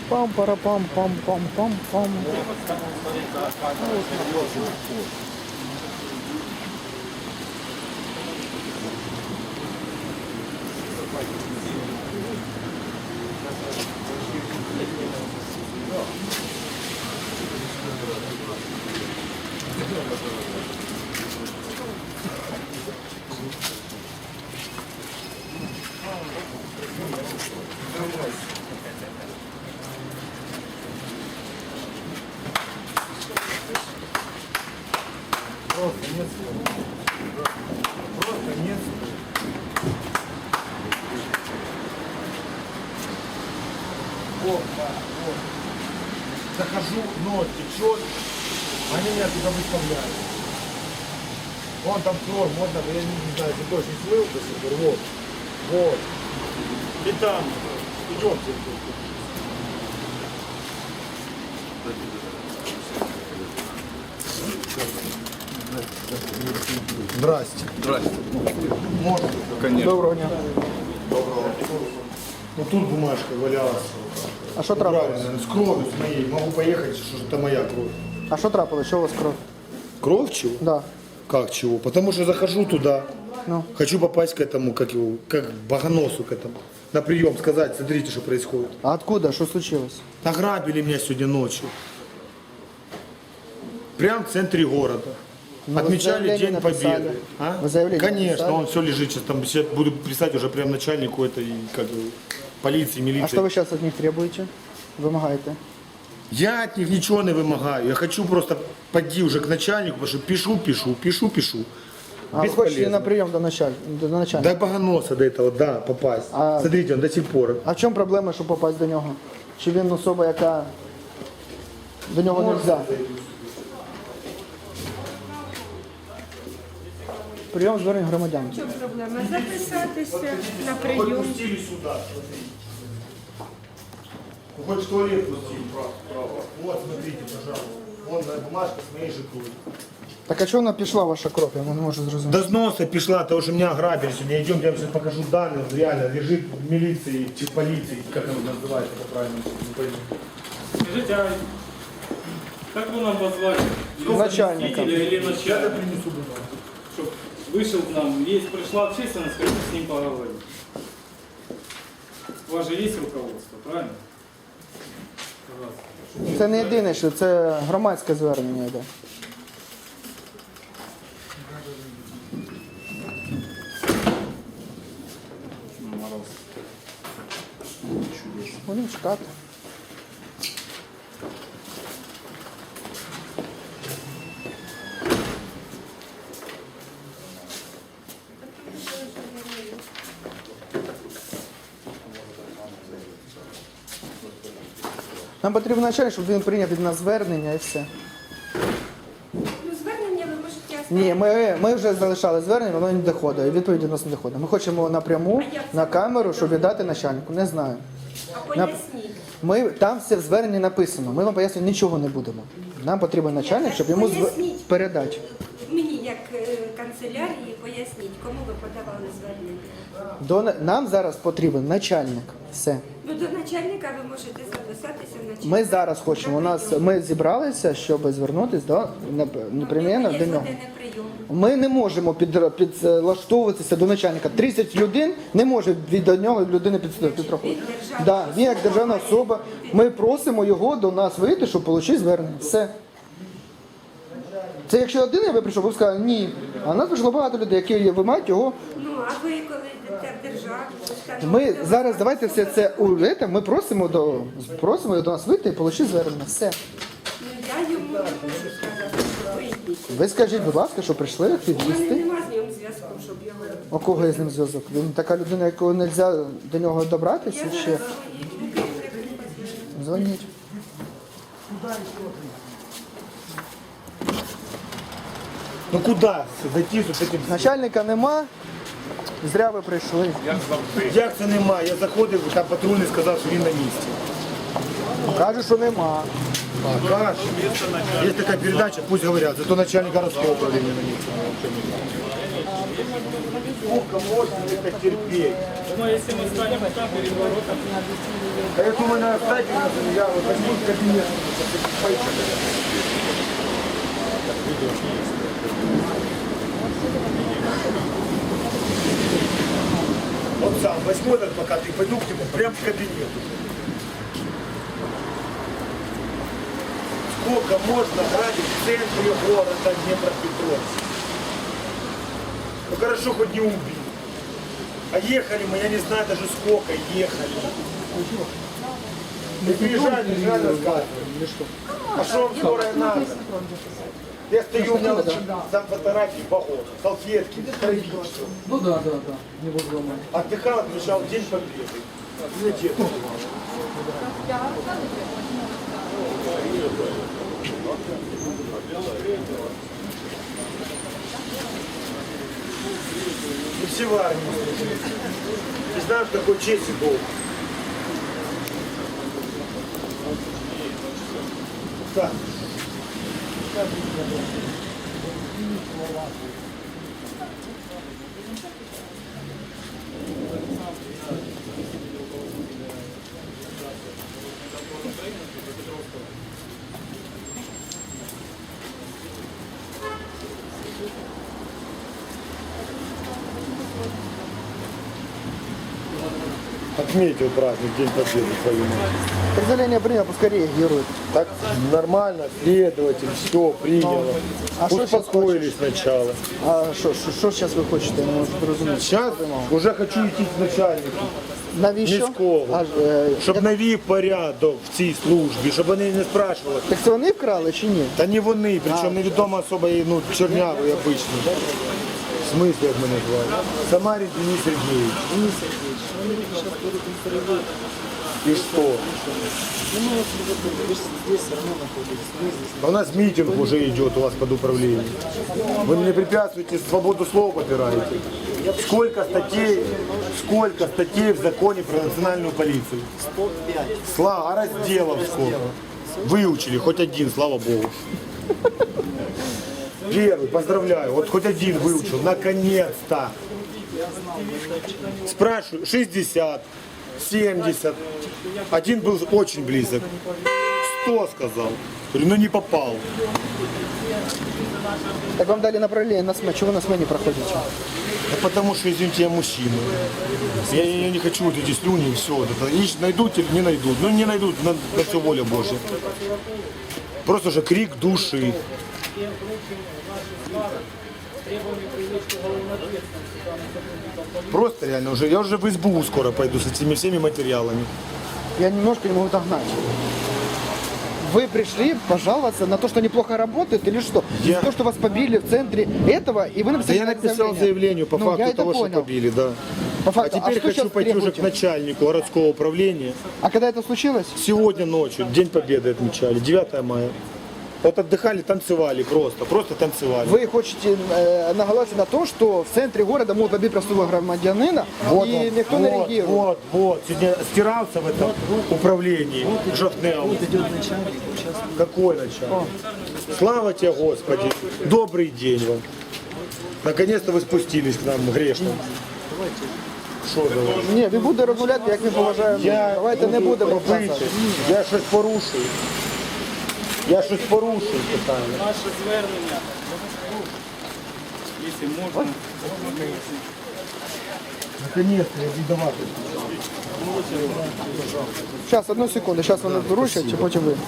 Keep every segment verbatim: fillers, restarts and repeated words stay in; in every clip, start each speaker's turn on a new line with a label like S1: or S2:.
S1: Пам пара пам пам пам пам пам.
S2: Просто нет слов. Просто нет слов. Вот, да, вот. Захожу, нос течет, они меня туда выставляют. Вон там кровь, можно, я не знаю, ты тоже не слыл до сих пор, вот, вот. И там, идемте. Здрасте.
S3: Здрасте.
S2: Можно?
S3: Конечно.
S1: Доброго дня.
S2: Доброго. Ну тут бумажка валялась.
S1: А що
S2: Правильно,
S1: трапилось?
S2: с кровью с моей. Могу поехать, что это моя кровь.
S1: А що трапилось? Що у вас кров?
S2: Кровь чего?
S1: Да.
S2: Как чего? Потому что захожу туда,
S1: Ну.
S2: хочу попасть к этому, как его, как богоносу к этому. На прием сказать, смотрите, что происходит.
S1: А откуда? Що случилось?
S2: Ограбили меня сегодня ночью. Прямо в центре города.
S1: Ну, вы
S2: Отмечали
S1: заявление
S2: День
S1: написали?
S2: Победы. А?
S1: Вы заявление
S2: Конечно,
S1: написали?
S2: он все лежит сейчас там. Сейчас буду писать уже прям начальнику этой, как его, полиции, милиции.
S1: А що ви зараз від них требуєте? Вимагаєте?
S2: Я от них ничего не вымогаю. Я хочу просто пойти уже к начальнику, потому что пишу, пишу, пишу, пишу.
S1: А ви хочете на прийом до, началь... до начальника?
S2: До богоноса до этого, да, попасть.
S1: А-
S2: Смотрите, он до сих пор.
S1: А в чому проблема, щоб попасть до нього? Чи він особа, яка до нього не можна? Прийом звернень громадян.
S4: Що проблема? Записатися на прийом.
S2: Пустили сюда, смотрите. Ну, хоть в туалет пустили, право, право. Вот, смотрите, пожалуйста. Вон бумажка с моей же кровью.
S1: Так а чого вона пішла, ваша кров? Я не можу зрозуміти.
S2: До сноса пришла, потому что меня ограбили сегодня. Идем, я вам сейчас покажу данные. Реально, лежит в милиции, в полиции, как оно называется, это правильно, не пойму.
S5: Скажите, а как вы нам позвали?
S1: Начальника.
S5: Или, или
S2: Я
S5: начальника?
S2: принесу бумагу.
S5: Чтоб вышел к нам, есть, пришла общественность, хотим с ним поговорить. У вас же есть руководство, правильно? Пожалуйста.
S1: Це не єдине, що це громадське звернення йде. Будемо чекати. Нам потрібен начальник, щоб він прийняв від нас звернення і все.
S4: Ну, звернення ви можете оставити.
S1: Ні, ми, ми вже залишали звернення, воно не доходить, і відповіді до нас не доходить. Ми хочемо напряму на камеру, щоб віддати начальнику. Не знаю.
S4: А поясніть.
S1: Ми, там все в зверненні написано, ми вам пояснювати нічого не будемо. Нам потрібен начальник, щоб йому зв...
S4: Поясніть.
S1: передати.
S4: Мені, як е, канцелярії, поясніть, кому ви подавали звернення.
S1: До, нам зараз потрібен начальник. Все.
S4: Ну, до начальника ви можете записатися в начальника.
S1: Ми зараз хочемо. У нас ми зібралися, щоб звернутися до нап- непременно до нього.
S4: прийом.
S1: Ми не можемо під, підлаштовуватися до начальника. тридцять людей не може від до нього людини під, підрахувати. Да, він як державна особа. Ми просимо його до нас вийти, щоб отримати звернення. Все. Це якщо один я би прийшов, ви б сказали ні. А в нас прийшло багато людей, які вимагають його.
S4: Ну, а ви коли йдете в державу, скажете,
S1: Ми зараз давайте все це у це, ми просимо до просимо його до нас вийти і отримати звернення. Все.
S4: ну, я йому не можу сказати, що ви йдіть.
S1: Ви скажіть, будь ласка, що прийшли
S4: У мене
S1: активісти.
S4: нема з ним зв'язку, щоб його...
S1: У кого є з ним зв'язок? Він така людина, якого не можна до нього добратися
S4: Я
S1: ще.
S4: зараз їду, керівник позвонить.
S1: Дзвоніть.
S2: Ну куда зайти з этим?
S1: Начальника нема. Зря ви прийшли.
S2: Як це нема? Я заходив, там патрульний сказав, що він на місці.
S1: Кажуть, що нема.
S2: А, каш. Є така передача, пусть говорять, зато начальник городского управління на місці. Сколько можно это терпеть?
S5: Ну, если мы станем там перед воротами,
S2: А я думаю, надо встать, я вот возьму в кабинет. Вот сам возьму этот пока ты пойду к нему, прям в кабинет. Сколько можно грабить в центре города Днепропетровска? Ну хорошо, хоть не убили. А ехали мы, я не знаю даже сколько ехали. Не приезжай, не приезжай рассказывай. А что вам скорая надо? Я стою, у меня там фотографии богов, салфетки, все.
S3: Ну да, да, да, не буду ломать.
S2: Отдыхал, отмечал День Победы. Знаете, и все в армии служили. Не знаю, что такое честь и долг. Так. Отметил праздник День Победы свою.
S1: Определение принял, пускай реагирует.
S2: Так нормально, следователь, все принял.
S1: А что сейчас
S2: Успокоились сначала.
S1: А що, що, що зараз ви хочете? Я не можу зрозуміти.
S2: Сейчас уже хочу идти к начальнику.
S1: Навіщо?
S2: Міського.
S1: А, е,
S2: Щоб навів порядок в цій службі, щоб вони не спрашивали.
S1: Так це вони вкрали чи ні?
S2: Та не вони, причому невідома особа, ну, чорнявий обичний. В смысле, як мене звали? Самарин Денис Сергеевич.
S1: Денис Сергійович, вони зараз будуть інтерв'ю.
S2: И что?
S1: Ну, ми ви ж здесь все одно знаходитесь. Ви здесь.
S2: А у нас митинг уже идет у вас под управлением. Вы мне препятствуете, свободу слова попираете. Сколько статей, сколько статей в законе про национальную полицию?
S1: сто п'ять.
S2: Слава, а разделов сколько? Выучили, хоть один, слава Богу. Первый, поздравляю, вот хоть один выучил, наконец-то. Спрашиваю, шестьдесят, семьдесят. Один был очень близок. сто сказал. Говорю, ну не попал.
S1: Так вам дали направление на СМЭ. Чего вы на СМЭ не проходите?
S2: Да потому что, извините, я мужчина. Я, я не хочу вот эти слюни и все. Вот это. Ищ- найдут или не найдут. Ну не найдут, на, на все воля Божья. Просто же крик души. Просто реально уже, я уже в СБУ скоро пойду с этими всеми материалами.
S1: Я немножко не могу догнать. Вы пришли пожаловаться на то, что неплохо работает, или что?
S2: Я-
S1: За то, что вас побили в центре этого, и вы
S2: Да
S1: написали
S2: я
S1: на
S2: написал
S1: заявление.
S2: заявление по
S1: Ну,
S2: факту
S1: я это
S2: того, что
S1: понял.
S2: побили, да.
S1: По
S2: А
S1: факту.
S2: теперь
S1: что
S2: хочу
S1: сейчас
S2: пойти уже к
S1: требуете?
S2: начальнику городского управления.
S1: А когда это случилось?
S2: Сегодня ночью, День Победы отмечали, девятое мая. Вот отдыхали, танцевали просто, просто танцевали.
S1: Вы хотите э, наголосить на том, что в центре города могут побить простого громадянина,
S2: Вот
S1: и
S2: он,
S1: никто не
S2: вот,
S1: реагирует.
S2: вот, вот, сегодня стирался в этом управлении, жовтнел. Какой начальник? Слава тебе, Господи, добрый день вам. Наконец-то вы спустились к нам, грешным. Що давай?
S1: Ні, ви будете розмовляти, як ми поважаємо.
S2: Я
S1: Давайте не будемо
S2: робити,
S1: обсасувати.
S2: я щось порушую. Я щось порушую, питаю.
S5: наше звернення, якщо можна,
S2: Наконец-то я віддавати.
S1: Зараз, одну секунду, зараз вони вручать, а потім ви.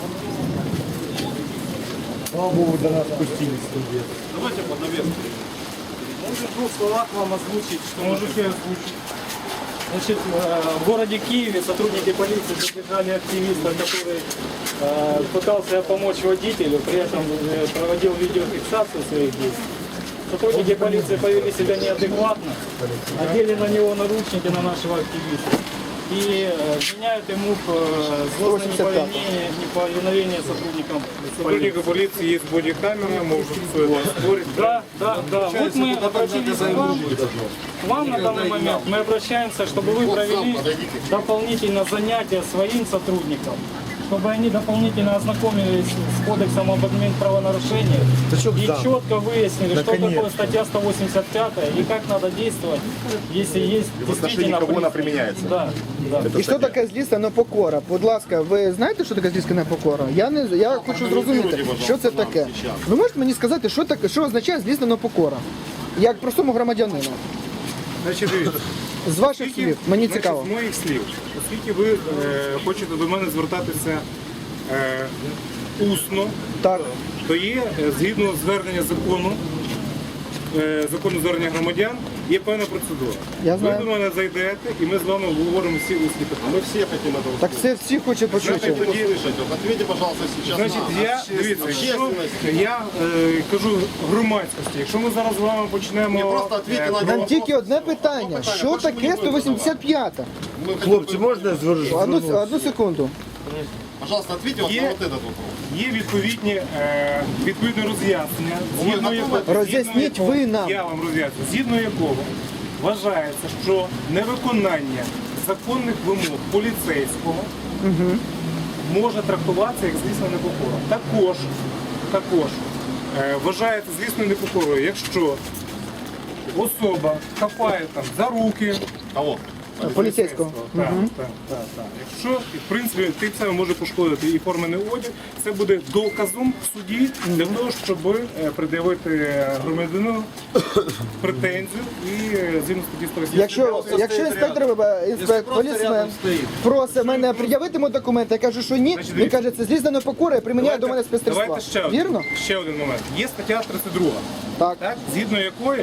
S2: Слава Богу, до нас спустились.
S5: давайте по наверху. Может, в двух словах вам озвучить, что можете озвучить. Значит, э, в городе Киеве сотрудники полиции задержали активиста, который э, пытался помочь водителю, при этом э, проводил видеофиксацию своих действий. Сотрудники полиции повели себя неадекватно, одели на него наручники на нашего активиста. и э, вменяют ему э, злостное неповиновение, неповиновение сотрудникам
S6: Сотрудника полиции есть бодикамера, может все это оспорить.
S5: Да, да, да. Вот мы обратились к вам, к вам на данный момент. Мы обращаемся, чтобы вы провели дополнительно занятия своим сотрудникам, чтобы они дополнительно ознакомились с кодексом об админправонарушении и четко выяснили, что такое статья сто восемьдесят пять и как надо действовать, если есть действительно
S7: кого она
S5: приступ.
S7: применяется.
S5: Да, да.
S1: І що таке злісна непокора? Будь ласка, ви знаєте, що таке злісна непокора? Я не я хочу зрозуміти, що це таке. Ви можете мені сказати, що таке, що означає злісна непокора? Як простому громадянину?
S6: Значить, дивіться.
S1: З ваших
S6: Оскільки-
S1: слів, мені
S6: значить,
S1: цікаво.
S6: З моїх слів, оскільки ви е, хочете до мене звертатися е, усно,
S1: Так.
S6: то є е, згідно звернення закону, е, закону звернення громадян, є певна процедура.
S1: Я знаю.
S6: Ви до мене зайдете і ми з вами обговоримо всі усні питання.
S7: Мы все хотим это
S1: Так це всі хочуть почути.
S7: услышать. Вот ответьте, пожалуйста, сейчас
S6: Значить,
S7: на
S6: я дивіться, якщо
S7: общественность.
S6: я е, кажу громадськості, якщо ми зараз з вами почнемо
S7: Ні, просто відповідьте
S6: е,
S7: на
S1: Нам
S7: вопрос.
S1: тільки одне питання. Що таке сто вісімдесят п'ять?
S2: Хлопці, можна звернутися?
S1: Одну, одну секунду.
S7: Пожалуйста, ответьте вот
S6: Є-
S7: на вот этот вопрос.
S6: Є відповідні, е, відповідне роз'яснення, згідно якого,
S1: Роз'ясніть
S6: згідно
S1: ви
S6: якого-
S1: нам.
S6: Я вам роз'ясню, згідно якого вважається, що невиконання законних вимог поліцейського може трактуватися як злісна непокора. Також, також е, вважається злісною непокорою, якщо особа хапає там за руки,
S7: Кого?
S1: Поліцейського.
S6: так, так, так, так. Якщо, в принципі, тим самим може пошкодити і формений одяг, це буде доказом в суді для того, щоб е, пред'явити громадянину претензію і е, згідно статті сто вісімдесят.
S1: Якщо, якщо інспектор, е, інспектор полісмен просить мене пред'явити йому документи, я кажу, що ні, він каже, це злісна непокора і приміняє до мене спецтерства.
S6: Давайте ще, один-
S1: Вірно?
S6: ще один момент. Є стаття тридцять друга,
S1: Так.
S6: так, згідно якої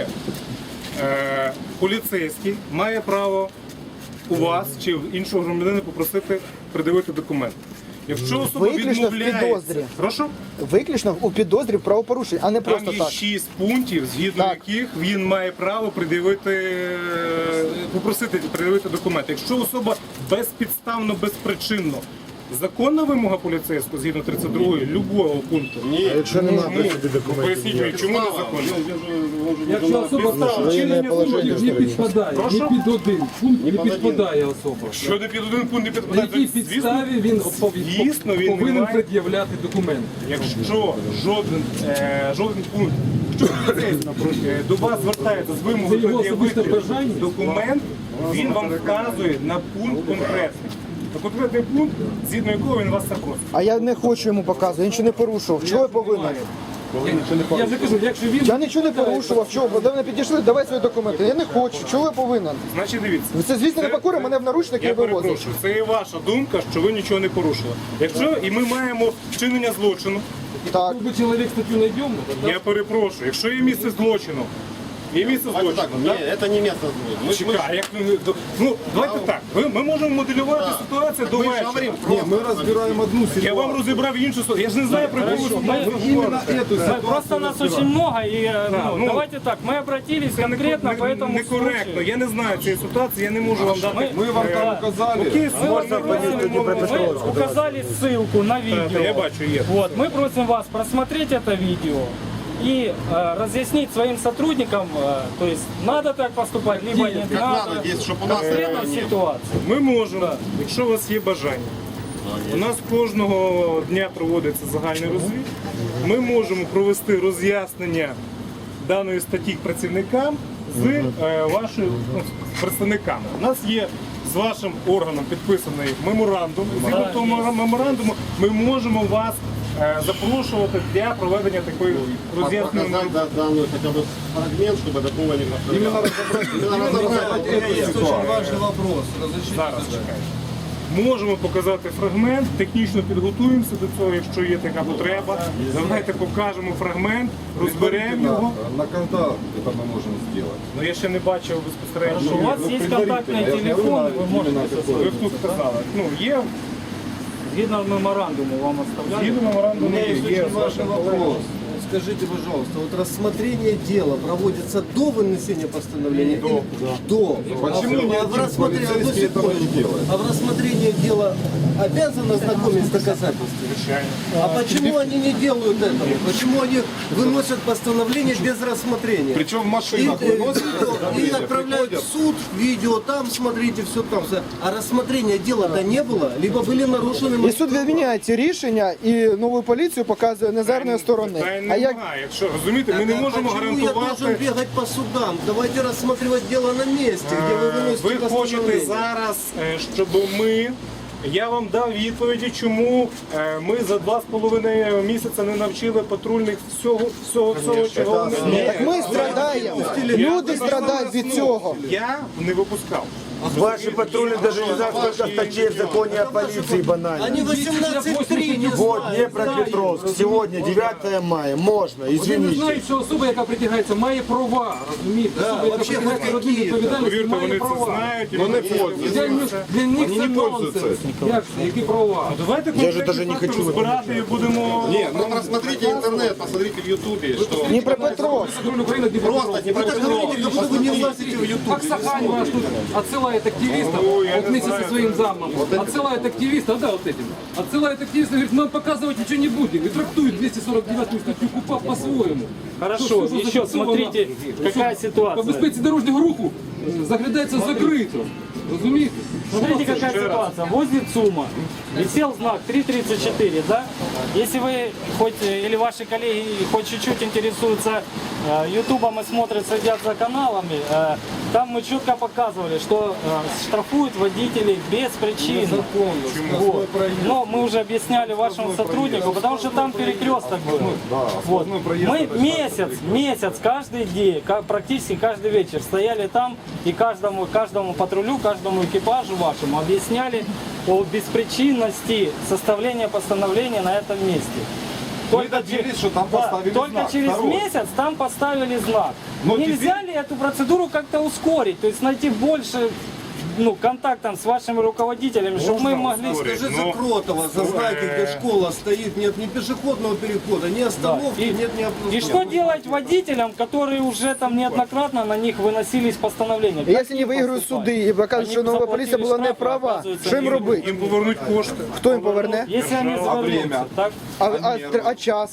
S6: е, поліцейський має право у вас чи в іншого громадянина попросити придивити документ. Якщо особа
S1: Виключно в
S6: відмовляється,
S1: підозрі.
S6: прошу,
S1: Виключно у підозрі в правопорушенні, а не
S6: там
S1: просто
S6: є
S1: так.
S6: шість пунктів, згідно
S1: Так.
S6: яких він має право придивити, е, попросити придивити документи. Якщо особа безпідставно, безпричинно, законна вимога поліцейського, згідно тридцять другої, любого пункту.
S7: Ні.
S2: Якщо немає при собі
S6: Ну,
S2: документів.
S6: поясніть мені, чому не законно?
S3: Якщо особа вчинення пунктів не підпадає,
S6: Прошу?
S3: не під один пункт не підпадає особа.
S6: Що не під один пункт не
S3: На
S6: підпадає?
S3: якій
S6: Звісно,
S3: підставі він
S6: звісно, він не
S3: повинен
S6: має.
S3: пред'являти документи?
S6: Якщо жоден, е, жоден пункт, якщо поліцейський е, до вас звертається з вимогою
S3: Це його
S6: пред'явити
S3: особисте бажання?
S6: документ, він вам вказує на пункт конкретний. На конкретний пункт, згідно якого він вас запросить.
S1: А я не хочу йому показувати, він нічого не порушував. Чого я повинен?
S3: Я вже кажу, якщо він...
S1: Я нічого не порушував. Чого? Бо до мене підійшли, давай свої документи. Я не хочу. Чого я повинен?
S6: Значить, дивіться.
S1: Це, звісно, непокора, мене в наручники
S6: Я
S1: вивозять.
S6: перепрошую, це і ваша думка, що ви нічого не порушили. Якщо і ми маємо вчинення злочину,
S1: Так.
S3: Якби чоловік статтю знайдемо, то
S6: я перепрошую, якщо є місце злочину, є місце
S7: Давайте так,
S6: злочину,
S7: не,
S6: так?
S7: это не место звука. Мы, мы,
S6: Чекай, як ви- до- ну давайте так. Ви- Ми можемо моделювати ситуацію до
S7: мы же
S6: вечора.
S7: говорим
S2: Ні,
S7: просто.
S2: ми розбираємо одну
S6: Я
S2: ситуацію.
S6: вам розібрав іншу ситуацію. Я ж не знаю, про яку ви
S5: Мы-
S2: Іменно эту
S5: Да,
S2: ситуацію
S5: Просто нас очень
S2: розбираємо.
S5: много, и э, ну,
S6: ну,
S5: давайте так, мы обратились конкретно по этому
S6: некоректно.
S5: случаю.
S6: Я не знаю цієї ситуації, я не можу вам дати.
S2: Ми вам
S6: е,
S2: там указали.
S6: Окей,
S5: Мы, вас
S6: можна
S5: просим-
S6: тоді
S5: мы указали ссылку на видео.
S6: Я бачу, є.
S5: Вот, мы просим вас просмотреть это видео и э, разъяснить своим сотрудникам, э, то есть надо так поступать, либо не
S7: Как
S5: надо.
S7: надо, здесь, чтобы у нас
S5: Конкретно
S7: этого не было.
S5: ситуация.
S6: Ми можемо, якщо у вас є бажання. У нас кожного дня проводиться загальний розвід. Ми можемо провести роз'яснення даної статті працівникам з е, вашою ну, з представниками. У нас є з вашим органом підписаний меморандум. Згідно того мемора- меморандуму ми можемо вас е, запрошувати для проведення такої роз'ясненої.
S7: Показать да, данную хотя бы фрагмент, чтобы такого не повторялось. Именно разобрать эту ситуацию.
S3: вопрос.
S6: Зараз чекайте. Можемо показати фрагмент, технічно підготуємося до цього, якщо є така потреба. Давайте покажемо фрагмент, розберемо його.
S2: На когда это мы можем сделать?
S6: Ну я ще не бачив безпосередньо.
S5: У вас есть контактный телефон, вы можете
S6: Ви б тут сказали. Ну, є
S5: згідно меморандуму вам оставляли.
S6: згідно меморандуму,
S2: У меня есть
S6: є
S2: очень важный вопрос.
S3: Скажите, пожалуйста, вот рассмотрение дела проводится до вынесения постановления? До. До.
S7: Почему
S3: а, в-
S7: ни
S3: а в
S7: один
S3: рассмотрении, одну
S7: полицейский этого не
S3: секундочку.
S7: делает?
S3: А в рассмотрении дела обязаны ознакомить с доказательствами? А почему они не делают этого? Почему они выносят постановление без рассмотрения?
S7: Причем в
S3: И,
S7: машинах
S3: э,
S7: выносят,
S3: видео, и отправляют в суд, видео там, смотрите, все там. все. А рассмотрения дела-то не было, либо были нарушены...
S1: І суд відміняє ці рішення і нову поліцію показує незарної сторони.
S6: Та й
S1: А як
S6: немає. Якщо розумієте, ми не
S3: Так, а
S6: можемо
S3: почему я должен
S6: гарантувати.
S3: бегать по судам? Давайте рассматривать дело на месте, где вы выносите
S6: Ви хочете
S3: постановление.
S6: зараз, е, щоб ми. Я вам дав відповіді, чому е, ми за два з половиною місяця не навчили патрульних всього, всього, всього чого вони.
S1: так ми страдаємо? Люди страдають від цього.
S6: Я не випускав.
S2: Ваши патрули даже не знают, сколько статей в законе о полиции банально.
S3: Они восемнадцать три не
S2: Вот
S3: знают.
S2: Днепропетровск, сегодня девятое мая, можно,
S8: Вони не
S2: извините.
S8: знають, що особа, яка притягається, має права, розумієте? Особа, яка
S3: вообще
S8: притягається до
S3: які,
S8: адмінвідповідальності,
S6: Повірте,
S8: має
S6: вони це
S8: права.
S6: знають. і
S7: Но
S6: вони
S7: не
S6: це
S7: пользуются.
S8: Для них, для них це
S7: не
S8: нонсенс.
S7: пользуються.
S8: Як це? Які права?
S6: Давайте
S2: Я же даже не
S6: конкретні
S2: хочу.
S6: факти розбирати і будемо.
S7: Нет, ну рассмотрите интернет, посмотрите в Ютубе, что...
S1: Дніпропетровськ.
S8: Патруль України,
S7: Просто
S3: Вы так говорите, как будто вы не влазите в YouTube.
S8: Аксакань вас тут отсылает активистов, вот вместе со своим замом, отсылает активистов, да, вот этим, отсылает активистов, говорит, нам показывать ничего не будем, и трактует двести сорок девятую статью КУПАП по-своему.
S5: Хорошо,
S8: Что- что
S5: еще
S8: зафиксировано,
S5: смотрите, какая
S8: По
S5: ситуация.
S8: безпеці дорожнього руху е, заглядається закрито. Розумієте?
S5: Смотрите, какая ситуация. Возле ЦУМа висел знак три тридцать четыре, да? Если вы хоть, э, или ваши коллеги хоть чуть-чуть интересуются э, ютубом и смотрят, следят за каналами, э, там мы четко показывали, что э, штрафуют водителей без причин. Вот. Но мы уже объясняли вашему сотруднику, потому что там перекресток был. Вот. Мы месяц, месяц, каждый день, ка- практически каждый вечер стояли там и каждому, каждому патрулю, каждому экипажу вашему объясняли о беспричинности составления постановления на этом месте. Только,
S7: добились,
S5: че-
S7: что там
S5: да,
S7: поставили
S5: только
S7: знак.
S5: через
S7: Второе.
S5: месяц там поставили знак.
S7: Но
S5: Нельзя ли эту процедуру как-то ускорить, то есть найти больше ну, контактом с вашими руководителями, чтобы мы могли...
S6: ускорить.
S3: Скажи
S6: Ну,
S3: за Кротова, за знаки, где школа стоит, нет ни пешеходного перехода, ни остановки,
S5: И,
S3: нет ни
S5: и что делать водителям, которые уже там неоднократно на них выносились постановления?
S1: І якщо не виграють суди і покажуть, що нова поліція була не права, що їм робити?
S6: Їм повернуть кошти.
S1: Хто їм поверне?
S5: Если они завернутся, так?
S1: А, а, а час?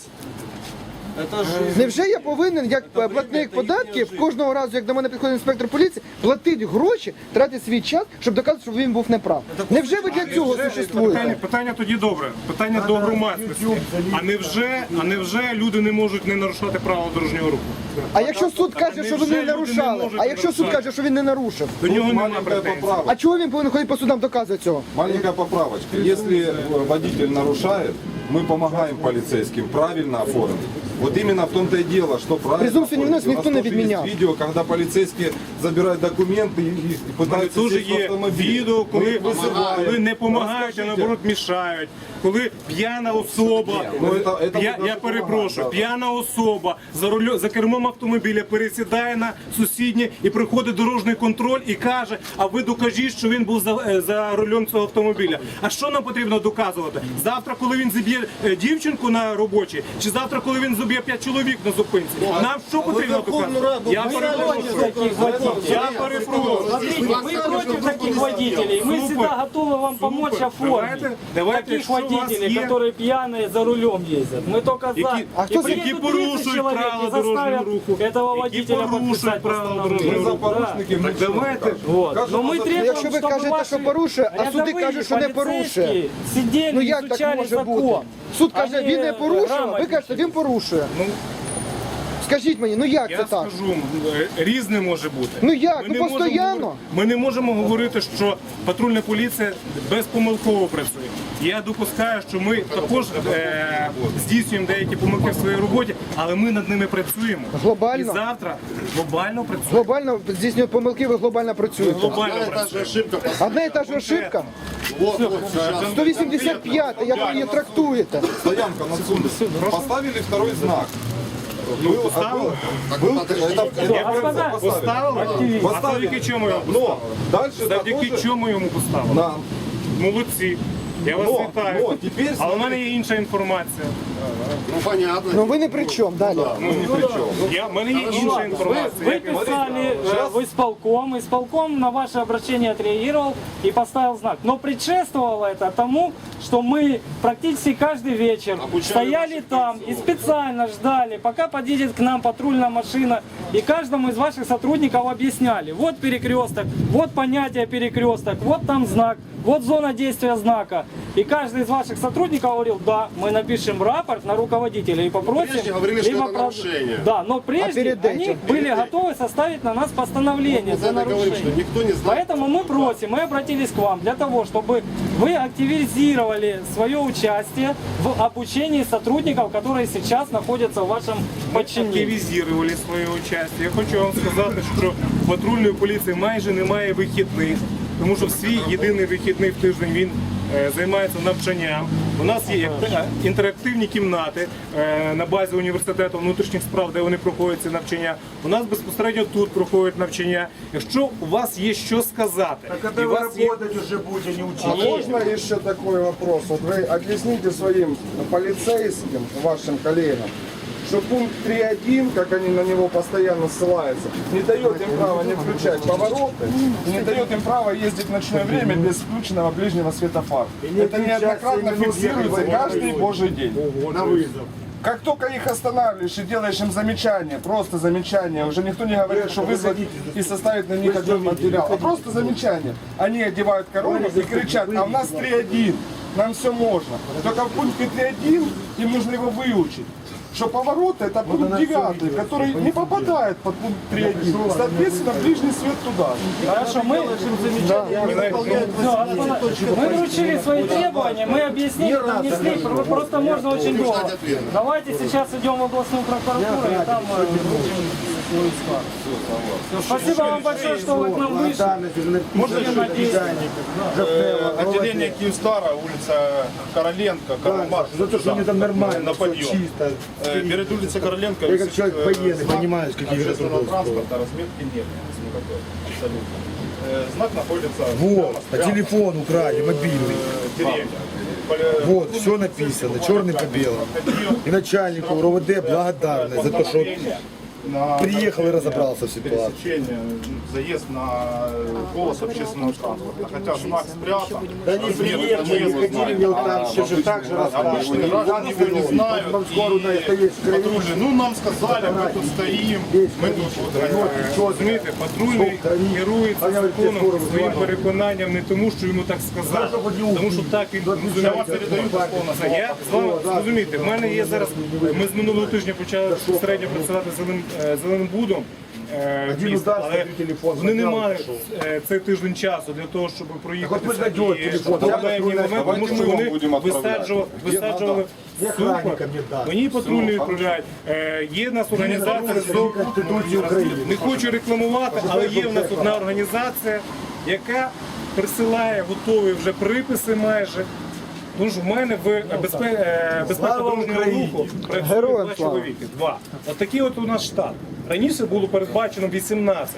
S3: Это же
S1: Невже я повинен, як платник податків, кожного разу, як до мене підходить інспектор поліції, платити гроші, тратити свій час, щоб доказати, що він був неправ? Невже ви для цього
S6: Питання,
S1: существуєте?
S6: питання тоді добре. Питання до громадськості. А невже, а невже люди не можуть не нарушати правила дорожнього руху?
S1: А якщо суд каже, що ви не нарушали, а якщо суд каже, що він не нарушив,
S6: До нього немає
S7: Маленькая
S6: претензій.
S7: поправочка.
S1: а чого він повинен ходити по судам доказувати цього?
S7: Маленькая поправочка. Если водитель нарушает, мы помогаем полицейским правильно оформить. Вот именно в том-то и дело, что правильно
S1: Презумпцию невиновности
S7: оформить.
S1: никто
S7: У
S1: не
S7: нас тоже есть
S1: відміняв.
S7: видео, когда полицейские забирают документы и, и пытаются
S6: Дуже
S7: сесть в
S6: є
S7: автомобиль.
S6: відео, коли,
S7: Мы их вызываем.
S6: коли не допомагають, а наоборот мішають. Коли п'яна особа,
S7: ну, это- это
S6: я,
S7: ми
S6: я
S7: дуже
S6: перепрошую,
S7: допомагаємо,
S6: п'яна особа за руль, за кермом автомобіля пересідає на сусіднє і приходить дорожній контроль і каже, а ви докажіть, що він був за, е, за рулем цього автомобіля. А що нам потрібно доказувати? Завтра, коли він зіб'є е, дівчинку на робочій, чи завтра, коли він зіб'є п'ять чоловік на зупинці? Нам що потрібно
S3: Верховну
S6: доказувати?
S3: Раду
S6: Я
S3: писали,
S6: перепрошую.
S5: Таких водителей.
S6: Я перепрошую.
S5: Смотрите, мы против таких водителей. Мы
S6: Супер.
S5: всегда готовы вам помочь
S6: Супер.
S5: оформить
S6: Давайте- давайте,
S5: таких
S6: якщо у вас
S5: водителей,
S6: є-
S5: которые пьяные за рулем ездят. Мы только за.
S6: Які-
S1: А хто
S5: И
S1: за-
S5: приедут
S6: які
S5: тридцать
S6: порушують
S5: человек
S6: правила
S5: и заставят
S6: дорожнього руху,
S5: этого
S6: які
S5: водителя
S6: порушують
S5: подписать
S6: правила
S5: постановление.
S7: Мы за
S6: дорожнього руху.
S7: порушники, мы
S6: Давайте.
S5: Вот.
S7: Кажуть,
S5: Но мы
S7: що за-
S5: требуем,
S1: Якщо ви
S5: чтобы
S1: кажете,
S5: ваши
S1: що порушує, а суди
S5: рядовые
S1: кажуть, що не порушує.
S5: полицейские сидели,
S1: Ну як так
S5: изучали
S1: може
S5: закон.
S1: бути? Суд каже,
S5: Они
S1: він не порушує, ви
S5: грамотничали.
S1: кажете, він порушує.
S6: Ну,
S1: Скажіть мені, ну як
S6: я
S1: це так?
S6: скажу, е, різне може бути.
S1: Ну як?
S6: Ми
S1: Ну
S6: не можемо
S1: постоянно.
S6: говорити- Ми не можемо говорити, що патрульна поліція безпомилково працює. Я допускаю, що ми також е, здійснюємо деякі помилки в своїй роботі, але ми над ними працюємо.
S1: Глобально?
S6: І завтра глобально працюємо.
S1: Глобально здійснюють помилки, ви глобально працюєте.
S6: Глобально
S7: Одна и та же
S6: працюємо.
S7: ошибка.
S1: Одна і та ж ошибка.
S7: Вот, вот, сейчас.
S1: сто вісімдесят п'ять, як ви її трактуєте?
S7: Стоянка на Сунде. Поставили второй знак. Был,
S6: поставили?
S7: был, это,
S6: Я
S5: Господа,
S6: поставили? А
S7: Поставили.
S6: завдяки чому його
S7: Но
S6: поставили?
S7: дальше
S6: Завдяки
S7: такой же
S6: чому йому поставили?
S7: нам
S6: Молодці. Я вас
S7: Но,
S6: вітаю.
S7: но теперь
S6: Але в мене є інша інформація.
S2: Ну понятно.
S1: Ну ви не при чому, далі.
S7: ну, ни при чем.
S6: Я, в мене є інша
S5: Вы,
S6: інформація.
S5: вы писали э, в исполком, исполком на ваше обращение отреагировал и поставил знак. Но предшествовало это тому, что мы практически каждый вечер стояли там и специально ждали, пока подъедет к нам патрульная машина, и каждому из ваших сотрудников объясняли. Вот перекресток, вот понятие перекресток, вот там знак, вот зона действия знака. И каждый из ваших сотрудников говорил, да, мы напишем рапорт на руководителя и попросим...
S2: Прежде говорили, что
S5: либо
S2: это
S5: про-
S2: нарушение.
S5: Да, но
S1: А
S5: прежде
S1: перед
S5: они
S1: этим?
S5: были готовы составить на нас постановление
S2: Мы
S5: за
S2: за это говорим,
S5: нарушение.
S2: что никто не знает.
S5: Поэтому мы просим, мы обратились к вам для того, чтобы вы активизировали свое участие в обучении сотрудников, которые сейчас находятся в вашем подчинении.
S6: Активізували своє участь. Я хочу вам сказати, що в патрульної поліції майже немає вихідних, тому що свій єдиний вихідний в тиждень він е, займається навчанням. У нас є е, інтерактивні кімнати е, на базі університету внутрішніх справ, де вони проходять ці навчання. У нас безпосередньо тут проходять навчання. Якщо у вас є що сказати, і у вас є...
S2: уже будете, не
S9: А можно еще такой вопрос? Вот вы объясните своим полицейским, вашим коллегам, что пункт три один, как они на него постоянно ссылаются, не дает им права не включать повороты, и не дает им права ездить в ночное время без включенного ближнего светофара. Это неоднократно фиксируется каждый божий день.
S2: на вызов.
S9: Как только их останавливаешь и делаешь им замечание, просто замечание, уже никто не говорит, что вызвать и составить на них отдельный материал, а просто замечание. Они одевают корону и кричат, а у нас три один, нам все можно. Только в пункте три один им нужно его выучить. Что поворот это пункт девятый, который не попадает под пункт три один. Соответственно, ближний свет туда.
S5: Хорошо, мы, Всё, мы вручили свои требования, мы объяснили, донесли, про- просто можно очень долго. Давайте сейчас идем в областную прокуратуру и там э, вручим свой склад. Всё, спасибо вам большое, что вы к нам вышли.
S2: Можно
S5: Всем
S2: еще
S5: надеюсь.
S2: Э, Отделение Киевстара, улица Короленко, Карл Маркс. За то, что они там нормально, на подъем. Э, Перед улицей Короленко я как человек военный, понимаешь, какие общественного транспорта, разметки нет. Никакой, абсолютно. Э, Знак находится
S10: Вот, по телефону украли, мобильный.
S2: в деревне.
S10: Вот, все написано, черный по белому. И начальнику РОВД благодарны за то, что
S2: На
S10: приехал и разобрался в ситуации.
S2: пересечение, заезд на полос общественного транспорта. Хотя знак спрятан. Да не приехали,
S9: там все же так же
S2: обычные граждане его не знают. И патрульные, ну нам сказали, мы тут стоим, мы тут вот.
S6: Розумієте, патрульний керується законом своїм переконанням не тому, що йому так сказали, тому що так він
S2: Я вам передаю дословно.
S6: Це я з вами зрозумієте, в мене є зараз. Ми з минулого тижня почали безпосередньо працювати з зеленим, е, зеленим будом. е, в місті, але вони не мали е, цей тиждень часу для того, щоб проїхатися і проблемні моменти, тому що вони висаджували, висаджували супер. Мені патрульні відправляють. Е, Є в нас організація не хочу рекламувати, але є в нас одна організація, яка присилає готові вже приписи майже. Тому що в мене в безпе- безпека дорожнього руху працює
S1: Героям
S6: два
S1: слава.
S6: чоловіки. Два. От такий от у нас штат. Раніше було передбачено вісімнадцять.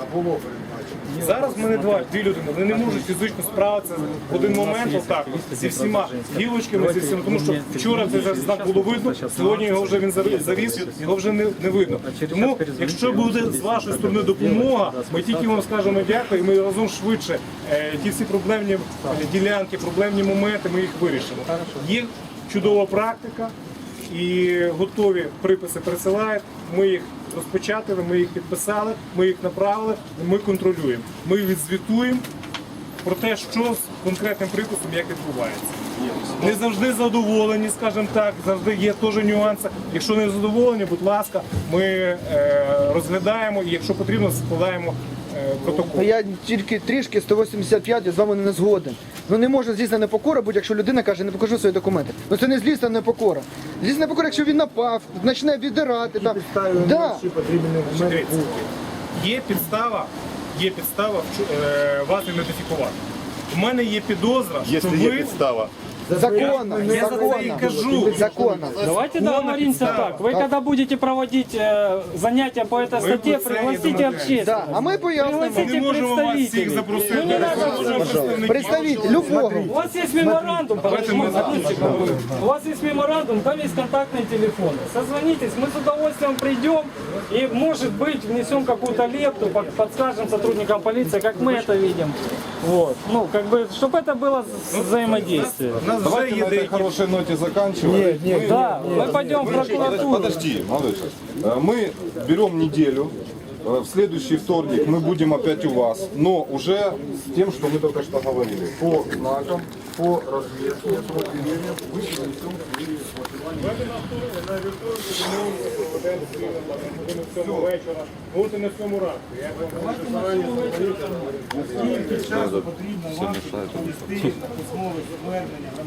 S6: Зараз в мене два, дві людини. Вони не можуть фізично справитися в один момент отак, зі всіма гілочками, зі всіма. Тому що вчора цей знак було видно, сьогодні його вже він заві- завіс, його вже не, не видно. Тому, якщо буде з вашої сторони допомога, ми тільки вам скажемо дякую, і ми разом швидше е, ті всі проблемні е, ділянки, проблемні моменти, ми їх вирішимо. Є чудова практика і готові приписи присилають, ми їх розпечатали, ми їх підписали, ми їх направили, ми контролюємо. Ми відзвітуємо про те, що з конкретним приписом, як відбувається. Не завжди задоволені, скажімо так, завжди є теж нюанси. Якщо не задоволені, будь ласка, ми е, розглядаємо і якщо потрібно, складаємо е, протокол.
S1: Я тільки трішки сто вісімдесят п'ять я з вами не згоден. Ну не може злісна непокора бути, якщо людина каже, не покажу свої документи. Ну це не злісна непокора. Злісна непокора, якщо він напав, почне віддирати. Там. Да.
S6: Дивіться, є підстава, є підстава вчу- е, вас ідентифікувати. У мене є підозра, що
S2: Если есть
S6: ви
S2: подстава.
S1: Законно,
S6: Я за це і кажу.
S1: законно, законно.
S5: Давайте договоримся так. Вы когда будете проводить э, занятия по этой статье,
S6: бы цены
S5: пригласите
S6: домовлялись.
S5: общественность.
S1: Да, а ми пояснимо.
S6: Ми
S5: Пригласите
S6: не можемо вас всіх
S5: представителей.
S6: запросити.
S5: Ну не надо.
S1: Представитель любого.
S5: У вас есть меморандум, подождите, одну секунду. У вас есть меморандум, там есть контактные телефоны. Созвонитесь, мы с удовольствием придем и, может быть, внесем какую-то лепту, под- подскажем сотрудникам полиции, как мы это видим. Вот. Ну, как бы, чтобы это было с- взаимодействие.
S6: У нас вже
S7: Давайте
S6: є
S7: на этой
S6: деякі.
S7: хорошей ноте заканчиваем.
S5: Да, мы пойдем в прокуратуру.
S7: Подожди, малыш. Э, Мы берем неделю. Э, В следующий вторник мы будем опять у вас, но уже с тем, что мы только что говорили. По знакам, по разведке, по деревьям, вы принесем свои
S6: От і на цьому ранку. Я вам зарані Скільки часу потрібно вам, щоб повести на письмове звернення